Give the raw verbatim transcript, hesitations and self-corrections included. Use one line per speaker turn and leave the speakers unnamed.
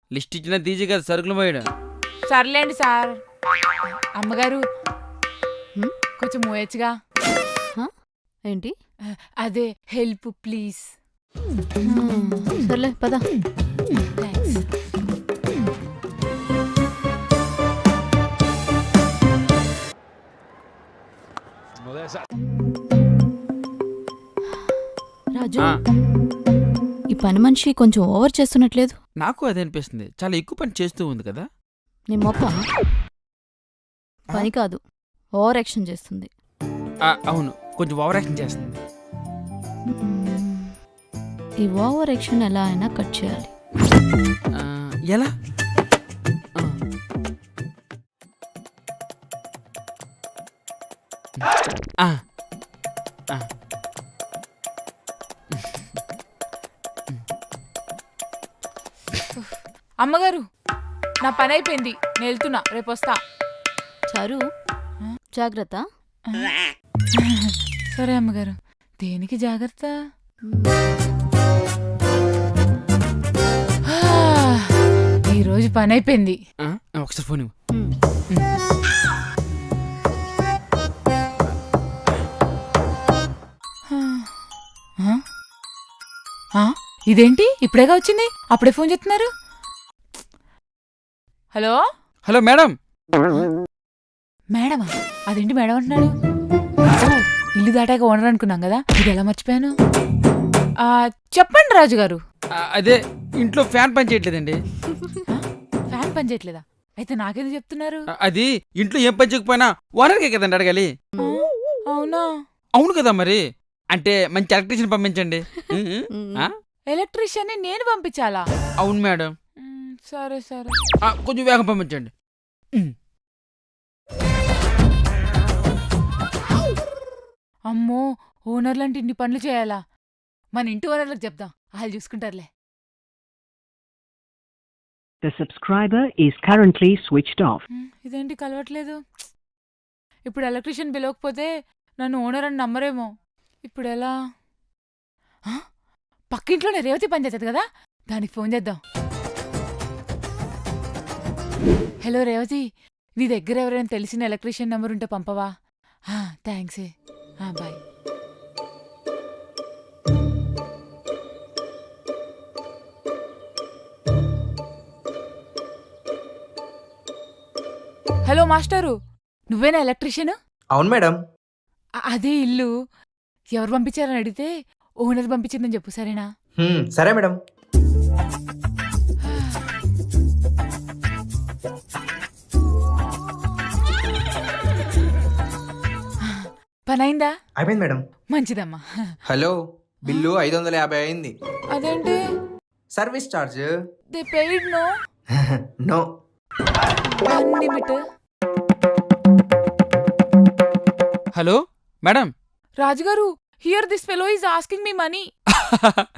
List ఇచ్చిన తీసి కదా సరుకులు పోయాడు.
సర్లేండి సార్. అమ్మగారు
హ్మ్?
కొంచెం మోయచ్చుగా.
ఏంటి?
అదే హెల్ప్ ప్లీజ్.
హ్మ్, సర్లే పద.
థ్యాంక్స్.
రాజు,
ఆ,
ఈ పని మనిషి కొంచెం ఓవర్ చేస్తున్నట్లేదు?
నాకు అదే అనిపిస్తుంది. చాలా ఎక్కువ పని చేస్తూ ఉంది కదా.
నీ మొప్ప పని కాదు, ఓవర్ యాక్షన్ చేస్తుంది.
ఆ, అవును, కొంచెం ఓవర్ యాక్షన్ చేస్తుంది.
మ్మ్. ఈ ఓవర్ యాక్షన్ ఎలా అయినా కట్ చేయాలి.
ఆ, ఎలా? ఆ. ఆ, ఆ.
అమ్మగారు నా పని అయిపోయింది, నేను వెళ్తున్నా, రేపు వస్తా.
చారు, జాగ్రత్త.
సరే అమ్మగారు. దేనికి జాగ్రత్త? ఆ, ఈరోజు పని అయిపోయింది.
ఆ, ఒకసారి ఫోన్ ఇవ్వు.
మ్మ్.
ఆ? ఆ? ఇదేంటి ఇప్పుడేగా వచ్చింది, అప్పుడే ఫోన్ చేస్తున్నారు? Hello
hello madam.
మేడమా? అదేంటి మేడం అంటున్నాడు? ఓ, ఇల్లు దాటాక ఓనర్ అనుకున్నాం కదా, ఇది ఎలా మర్చిపోయాను? ఆ, చెప్పండి రాజుగారు.
ఆ, అదే ఇంట్లో ఫ్యాన్ పని చేయట్లేదండి.
ఫ్యాన్ పని చేయట్లేదా? అయితే నాకేది చెప్తున్నారు?
ఆ, అది ఇంట్లో ఏం పని చేయకపోయినా ఓనర్కే కదండి అడగాలి.
ఆ, అవునా?
అవును కదా మరి. అంటే మంచి ఎలక్ట్రీషియన్ పంపించండి. ఆ?
ఎలక్ట్రీషియన్ని నేను పంపించాలా?
అవును మేడం.
మ్, సరే సరే.
ఆ, కొంచెం వేగం పంపించండి. ఉమ్.
అమ్మో, ఓనర్లంటే ఇన్ని పనులు చేయాలా? మన ఇంటి ఓనర్లకు చెప్దాం, వాళ్ళు చూసుకుంటారులే.
The subscriber is currently switched off.
మ్, ఇదేంటి కలవట్లేదు? ఇప్పుడు ఎలక్ట్రీషియన్ పిలవకపోతే నన్ను ఓనర్ అని నమ్మరేమో. ఇప్పుడు ఎలా? ఆ, పక్కింట్లోనే రేవతి పని చేస్తుంది కదా, దానికి ఫోన్ చేద్దాం. హలో రేవతి, నీ దగ్గర ఎవరైనా తెలిసిన ఎలక్ట్రీషియన్ నెంబర్ ఉంటే పంపవా? థ్యాంక్స్. బాయ్. హలో మాస్టరు, నువ్వేనా ఎలక్ట్రీషియన్?
అవును మేడం.
అదే ఇల్లు ఎవరు పంపించారని అడిగితే ఓనర్ పంపించిందని చెప్పు, సరేనా?
హ్మ్, సరే మేడం.
పనైందా?
అయిపోయింది మేడం.
మంచిదమ్మా.
హలో, బిల్లు ఐదు వందల యాభై అయింది.
అదేంటి?
Service charge
the paid no
no.
One minute.
Hello madam.
రాజుగారు, here this fellow is asking me money.